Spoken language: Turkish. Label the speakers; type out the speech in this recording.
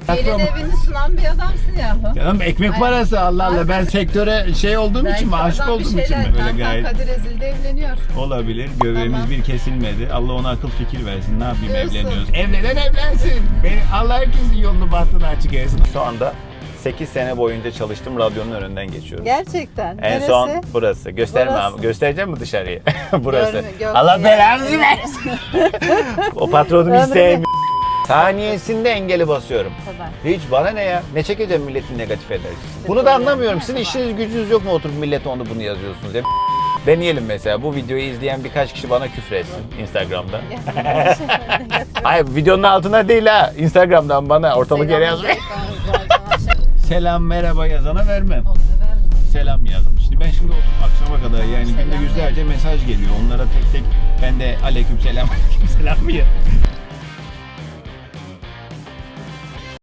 Speaker 1: Gelin evini sunan bir adamsın yahu.
Speaker 2: Canım ekmek parası Allah Allah. Ben sektöre şey olduğum için mi? Aşık olduğum için mi? Böyle gayet.
Speaker 1: Kadir Ezil'de evleniyor.
Speaker 2: Olabilir. Göbeğimiz
Speaker 1: Tamam.
Speaker 2: bir kesilmedi. Allah ona akıl fikir versin. Ne yapayım
Speaker 1: Diyorsun.
Speaker 2: evleniyoruz. Evlenen evlensin. Allah herkesin yolunu bahtını açık etsin. Şu anda 8 sene boyunca çalıştım radyonun önünden geçiyorum.
Speaker 1: Gerçekten.
Speaker 2: En
Speaker 1: Neresi?
Speaker 2: son burası. Gösterme
Speaker 1: Burası.
Speaker 2: abi. Göstereceğim mi dışarıyı? Burası.
Speaker 1: Yok
Speaker 2: Allah
Speaker 1: ya.
Speaker 2: belanızı versin. O patronumu hiç
Speaker 1: Ömrümü-
Speaker 2: sevmiyorum. Saniyesinde engeli basıyorum.
Speaker 1: Kadar.
Speaker 2: Hiç bana ne ya? Ne çekeceğim milletin negatif enerjisini? Bunu da anlamıyorum. Sizin işiniz gücünüz yok mu oturup millete onu bunu yazıyorsunuz ya? Deneyelim mesela. Bu videoyu izleyen birkaç kişi bana küfür etsin Instagram'da. Hayır videonun altına değil ha. Instagram'dan bana ortalık yere yazmayın. Selam merhaba yazana vermem. Selam yazdım. Şimdi ben şimdi oturup akşama kadar yani günde
Speaker 1: Selam
Speaker 2: yüzlerce mesaj geliyor. Onlara tek tek ben de aleyküm selam aleyküm selam mı ya?